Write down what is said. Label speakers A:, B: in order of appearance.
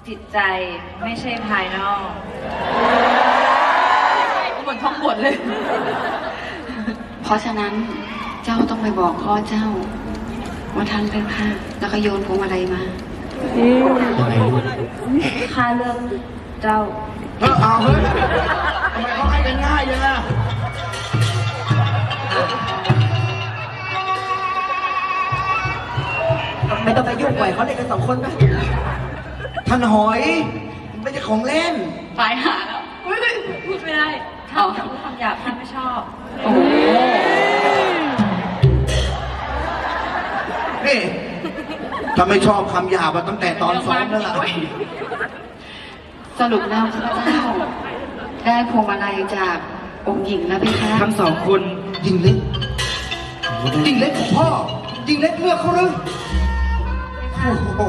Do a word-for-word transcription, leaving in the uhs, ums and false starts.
A: จิตใจไม่ใช่ภายนอกเหมือนท่องบทเลย
B: เพราะฉะนั้นเจ้าต้องไปบอกพ่อเจ้าว่าท่านเลือกข้าแล้วก็โยนพวงมาลัยมาข้าเลือกเจ้า
C: เออเอาเฮ้ยทำไมเขาให้กันง่ายยังอ่ะไม่ต้องไปยุ่งปล่อยเขาเล่นกันสองคนนะท่านหอยมันไม่ใช่ของเล่น
B: ตายหาแล้ว
A: อุ๊ยพูดไม่ได้ท่านจะพูดคำหยาบท่านไม่ชอบ
B: โอ้โห
C: นี่ถ้าไม่ชอบคำหยาบอะตั้งแต่ตอนซ้อมแล้วล่ะ
B: สรุปแล้วข้าพเจ้า ได้พวงมาลัยจากองค์หญิงแล้วพี่คะ
C: ทั้งสองคนยิงเล็กยิงเล็กของพ่อยิงเล็กเลือกเขาเลยโอ้โห